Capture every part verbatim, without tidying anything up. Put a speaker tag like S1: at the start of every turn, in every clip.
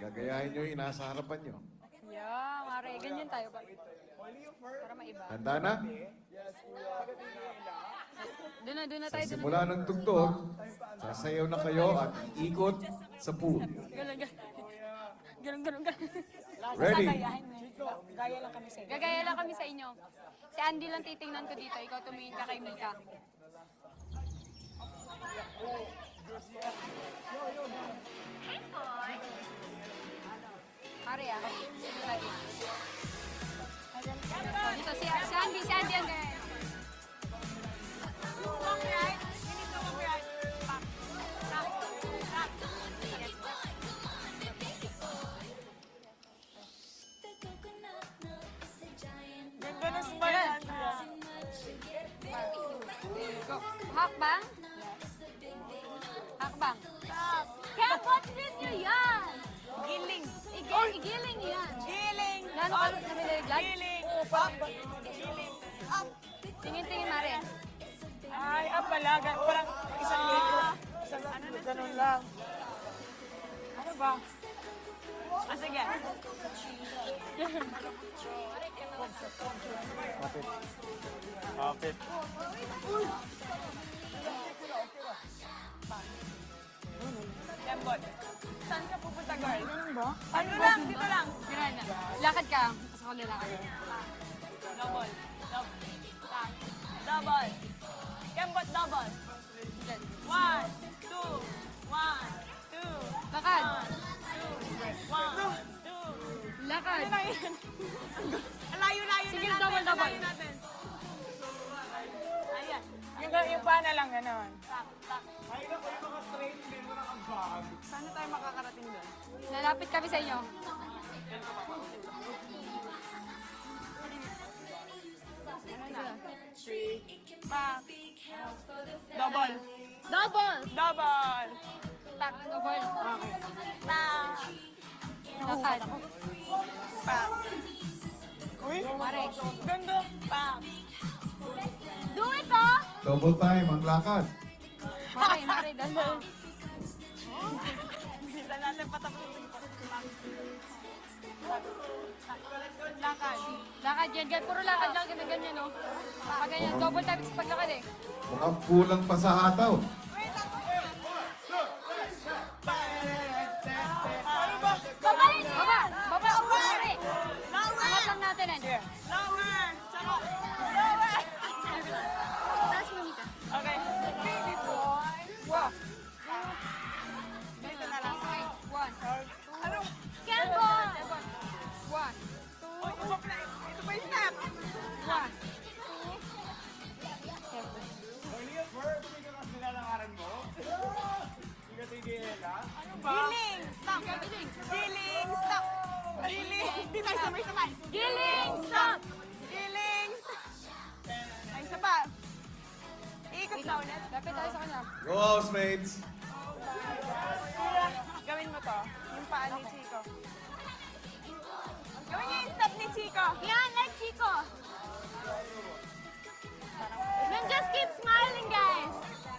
S1: Gagayahin nyo yung nasa harapan nyo.
S2: Yeah, mare. Ganyan tayo ba? Para maiba.
S1: Handa na?
S2: Doon na, doon na
S1: Sa
S2: tayo. Doon na.
S1: simula ng tugtog, sasayaw na kayo at ikot sa pool.
S2: Galang, galang. Galang, galang, galang.
S1: Ready?
S3: Gaya lang kami sa inyo.
S2: Gagaya lang kami sa inyo. Si Andy lang titingnan ko dito. Ikaw tumingin ka kay Mika. Mare ah. Sino lagi? Dito si, si Andy, si Andy ang gaya.
S3: Walk right. You need to walk right. Back. Back. Back. Ganda na smile, Andrea.
S2: Go. Hakbang? Hakbang. Kaya what is nyo yan?
S3: Giling.
S2: Igil, igiling nyo yan.
S3: Giling.
S2: Gano'n ka narilag?
S3: Giling. Up. Giling. Up.
S2: Tingin-tingin, Mare.
S3: Ay, up pala. Gan- Parang isang linggo. Isang ano na ganun lang. Ano ba? Ah, sige.
S4: Kapit.
S3: Lembot. Saan ka pupunta, girl? Ano lang? Dito lang.
S2: Tira na. Lakad ka. Pasok ko lalakad.
S3: Double. Double. Back. Double. Kembot double.
S2: Diyan.
S3: One, two, one, two,
S2: Lakad.
S3: one, two, one, two.
S2: Lakad.
S3: Ano na yun? Ang layo-layo na
S2: Sige,
S3: natin.
S2: double,
S3: ang
S2: double.
S3: layo natin. Ayan. Yung, yung pa na lang, gano'n. Tak, tak. Paano tayo makakarating doon?
S2: Lalapit kami sa inyo.
S3: Back. Double.
S2: Double.
S3: Double.
S2: Tak. Double.
S3: Tak.
S2: Lakad.
S3: Back. Uy,
S2: Mare.
S3: ganda. Back.
S2: Do it, oh!
S1: Double time ang lakad.
S2: Mare, Mare. Dandal.
S3: Bisa natin patapusin ko. Lakad.
S2: Lakad yan. Gan- Puro lakad lang. Ganyan, ganyan, no? Pag ganyan. Double time sa paglakad, eh.
S1: Mukhang kulang pa sa hataw.
S3: Ano ba?
S2: Baba! Baba! Baba! Baba, Mare!
S3: Lower!
S2: Angat lang natin, eh.
S3: Lower! Tsaka, lower!
S2: Taas mo, Mika.
S3: Okay. Baby boy. Wow. Dito na lang.
S2: Okay. One.
S3: Ano?
S2: Kempo! One.
S3: Uy, ito pa ito pa yung step.
S2: One.
S3: Ano ba? Giling! Stop! Giling! Stop! Giling! Di tayo sabay-sabay.
S2: Giling! Stop!
S3: Giling! Ay, isa pa. Iikot na ulit.
S2: Lapit tayo sa kanya.
S1: Go, housemates!
S3: Gawin mo to. Yung paa ni Chico. Gawin niyo yung step ni Chico.
S2: Yan, like Chico. Then just keep smiling, guys.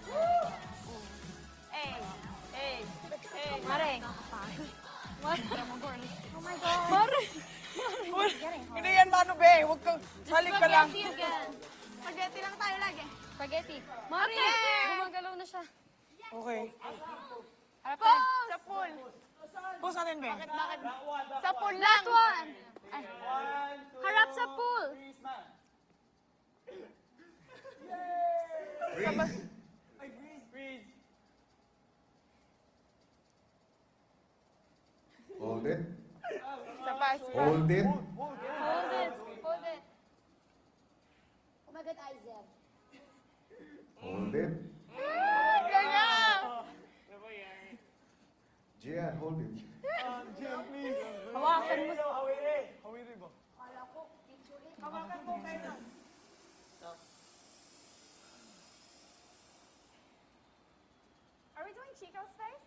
S3: Hey! Hey! Hey!
S2: Mare. Mare. Oh my God.
S3: Mare! Hindi yan mano, be. Huwag kang salik ka lang.
S2: Spaghetti again.
S3: Spaghetti lang tayo lagi.
S2: Spaghetti. Mare, gumagalaw na siya.
S3: Okay.
S2: Harap tayo.
S3: Sa pool. Pool natin, be.
S2: Bakit?
S3: Sa pool lang.
S2: Last one. Ay. Harap sa pool.
S1: Freeze! Hold it.
S3: Sa pa, sa pa.
S1: Hold it.
S2: Hold it. Hold it.
S5: Oh my God, Isaac.
S1: Hold it.
S3: Ganyan!
S1: Gian, hold it.
S3: Hawakan mo. Are we doing Chico's face?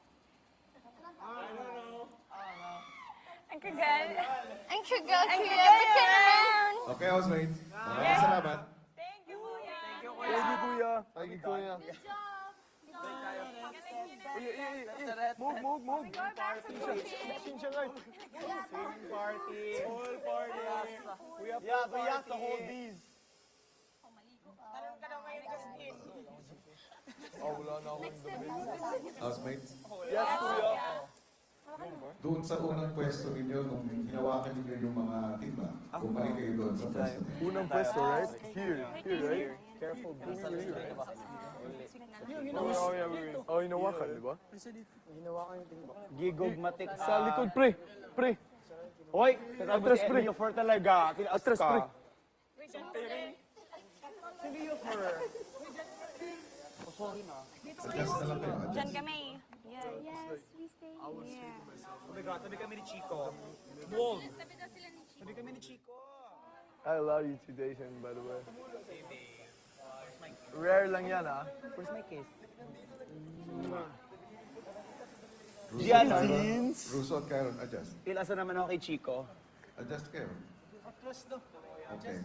S3: Ang kagal.
S2: Ang kagal
S3: Ang
S2: kuya.
S3: kagal.
S2: Ba't ka naman?
S1: Okay, housemates. Maraming salamat.
S3: Thank you, Kuya.
S4: Thank you, kuya. Thank you, kuya.
S2: Good job.
S3: Galing niyo na. Move, move, move.
S4: Sing siya guys. Sing party. Whole party. We have yeah, but you have to hold these.
S3: Tanong ka daw ngayon, Justin.
S4: Oh, wala na akong damit.
S1: Housemates,
S4: Yes, kuya.
S1: doon sa unang pwesto ninyo, nung hinawakan ninyo yung mga timba, bumalik kayo doon sa pwesto.
S4: Unang pwesto, right? Here. Here, right? Careful, bro. Oh, yeah, wait. Oh, hinawakan, di ba?
S6: Gigogmatic
S4: Sa likod, pre. Pre.
S6: Hoy,
S4: Atras, pre.
S6: for talaga. Tinaas
S4: Atras, pre.
S6: ka.
S1: Adjust na lang kayo,
S2: Diyan
S1: adjust.
S2: kami. Yeah.
S5: Yes, we stay here.
S3: Tabi kami ni Chico. Tabi kami ni Chico.
S4: I love you too, Jason, by the way. Rare lang yan, ah.
S6: Where's my case?
S1: Russo,
S6: Yan,
S1: Kyron.
S6: jeans.
S1: Russo at Kyron, adjust.
S6: Pilasa naman ako kay Chico.
S1: Adjust kayo. Okay.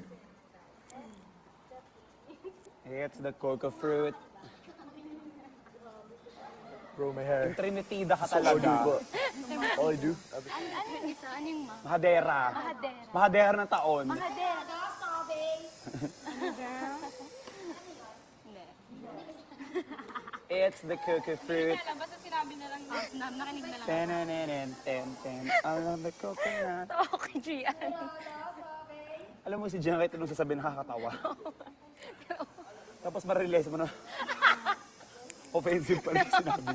S6: It's the coca fruit.
S4: Bro, my hair.
S6: Yung Trinitida ka
S4: So, all I do,
S6: talaga.
S4: ba? All I do?
S5: Ano, ano yung isa? Ano yung ma?
S6: Mahadera.
S5: Mahadera.
S6: Mahadera ng taon.
S5: Mahadera. Sabi. Hindi.
S6: It's the coca fruit.
S2: Alam, basta sinabi na lang, na, nakinig na lang.
S6: Tenenenen, ten, ten. I love the coconut.
S2: Okay, Gian.
S6: Alam mo si Gian kahit anong sasabihin nakakatawa. Tapos ma-realize mo na offensive pala yung sinabi.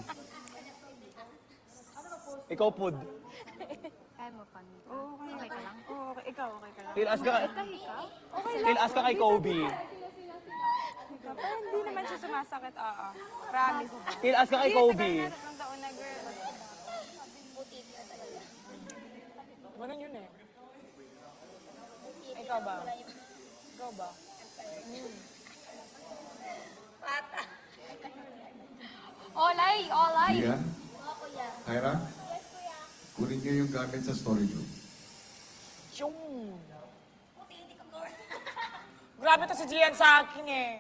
S6: Ikaw, Pud.
S5: Kaya mo pan.
S2: Oo, okay, okay ka lang. Oo, okay. Ikaw, okay ka lang.
S6: Tilas ka,
S5: Tahi ka?
S6: tilas ka kay Kobe.
S2: Pero hindi naman siya sumasakit, oo. Promise.
S6: Tilas ka kay Kobe.
S2: Tatlong taon na, girl.
S3: Ganun yun eh. Ikaw ba? Ikaw ba?
S2: Olay, olay.
S1: Iya? Kyra? Kunin niyo yung gamit sa storage room.
S3: Yung. Grabe to si Gian sa akin eh.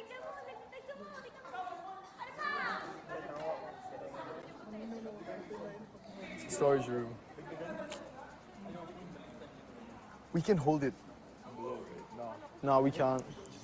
S4: Storage room. We can hold it. No, we can't.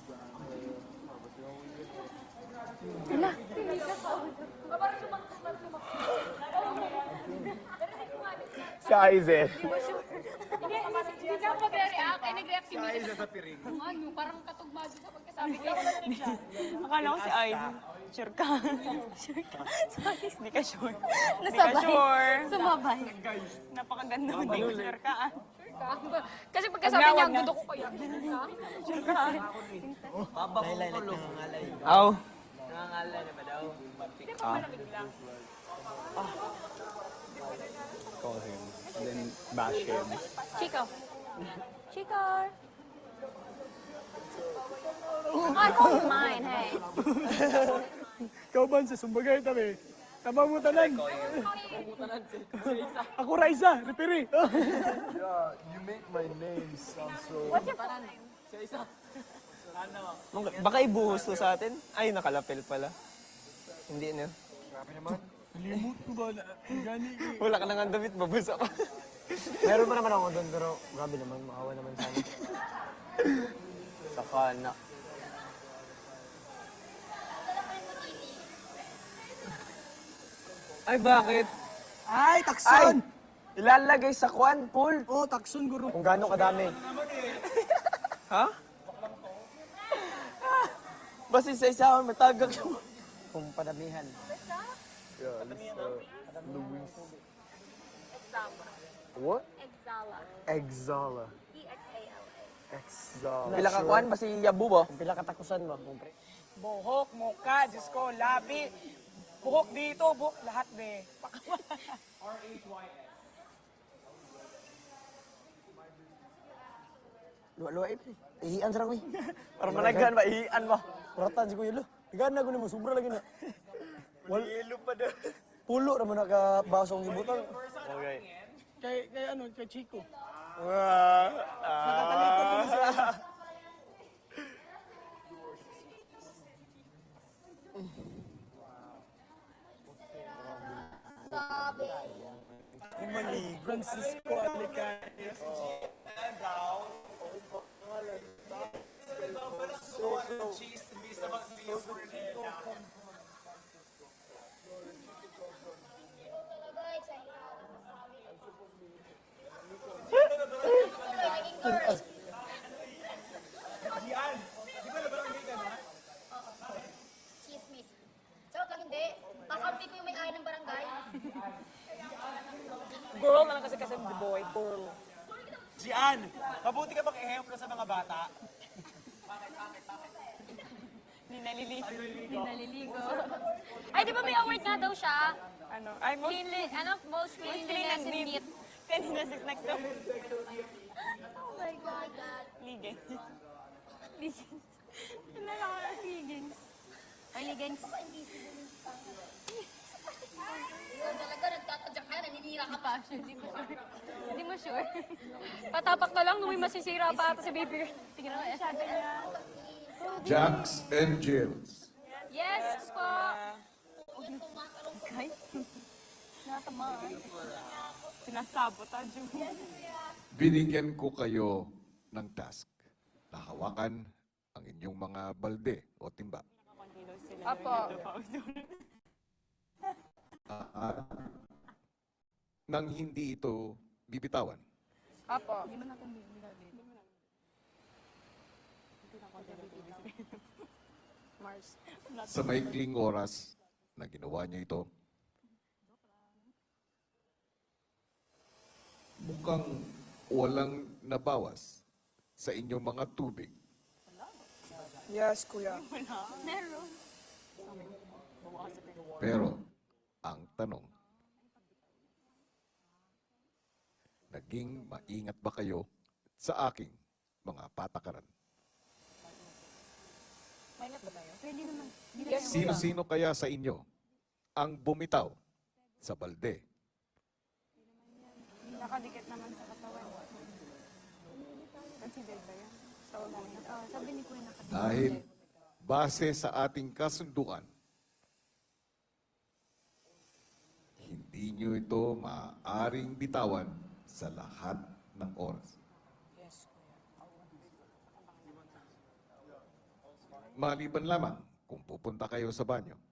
S6: Si Aizen.
S2: Hindi, hindi ka mag-react. Ay, nag-react si Mika. Siya sa piring. Ano, parang katugma sa pagkasabi ko.
S3: Akala ko si Aizen. Sure ka. Sure ka. Sorry, hindi ka sure. Hindi ka
S5: Nasabay.
S3: sure.
S5: Sumabay.
S3: Napakaganda mo, hindi ka sure ka.
S2: Kasi pagkasabi niya, ang dudo ko kaya.
S3: Sure ka.
S6: Aw. Call him. And then bash him.
S2: Chico. Chico. I call you mine, hey.
S4: Ikaw ba sa sumbagay tabi? Tabang mo tanan. Ako Raisa, repiri. Yeah, you make my name sound so...
S2: What's your full name?
S6: Baka ibuhos to sa atin? Ay, nakalapel pala. Hindi na.
S4: Limot ko ba na? Gani
S6: Wala ka nang damit, babasa pa.
S7: Meron pa naman ako doon, pero grabe naman, maawa naman sana.
S6: Saka na. Ay, bakit?
S7: Ay, takson!
S6: Ilalagay sa kwan, pool.
S7: Oo, oh, takson, guro. Kung gaano kadami.
S6: Ha? Basta isa-isa, matagak yung...
S7: Kung padamihan.
S4: Yeah, this, uh, Luis. What?
S2: Exala.
S4: Exala.
S2: E X A L A.
S4: Exala.
S6: Pila ka kwan, basta yabu ba?
S7: Kung pila katakusan mo, kung pre.
S3: Buhok, muka, Diyos ko, labi. Buhok dito, buhok lahat be.
S7: Luwa-luwa eh, pre. Ihian sarang, eh.
S6: Para managhan ba, ihian ba?
S7: Kuratan si Kuya Lo. Higaan na ko mo, sobra lagi na. Wal,
S6: Ilo pa daw.
S7: pulo naman nakabasong ibutan.
S6: Okay.
S4: Kay, kay ano, kay Chico.
S7: Nakatalikod ko siya.
S5: sabi.
S3: Francisco Alicanes.
S5: Talaga, excited. Naging girl. Chismis. Charot lang hindi. Kakampi ko yung may-ari ng barangay.
S3: Girl na lang kasi kasi the boy. Girl.
S4: Gian, mabuti ka bang ehemplo sa mga bata?
S3: Hindi naliligo.
S2: Hindi naliligo. Ay, di ba may award nga daw siya?
S3: Ano? Ay, most
S2: Cleanli, ano, most cleanliness and neat.
S3: Cleanliness is next to
S5: Oh my God.
S3: ligay.
S2: Nalakakigings. Ay, ligings.
S5: Yun talaga, nagtatadyak ka, naninira ka pa.
S2: Hindi mo sure. Hindi mo sure. Patapak na lang, nung may masisira pa ata si baby. Tingnan mo, eh.
S1: Jacks and Jills.
S2: Yes po.
S5: Guys,
S2: Natamaan.
S3: Sinasabotage yung
S1: Binigyan ko kayo ng task na hawakan ang inyong mga balde o timba.
S2: Apo.
S1: At nang hindi ito bibitawan.
S2: Apo.
S3: Mars.
S1: Sa maikling oras na ginawa niyo ito, mukhang walang nabawas sa inyong mga tubig.
S3: Yes, kuya.
S2: Meron.
S1: Pero, ang tanong, naging maingat ba kayo sa aking mga patakaran?
S2: Pwede naman.
S1: Sino-sino kaya sa inyo ang bumitaw sa balde?
S3: Nakadikit naman sa katawan. Consider ba yan? Sa ulan.
S2: Oh, sabi ni Kuya nakadikit.
S1: Dahil base sa ating kasunduan, hindi nyo ito maaaring bitawan sa lahat ng oras. Maliban lamang kung pupunta kayo sa banyo.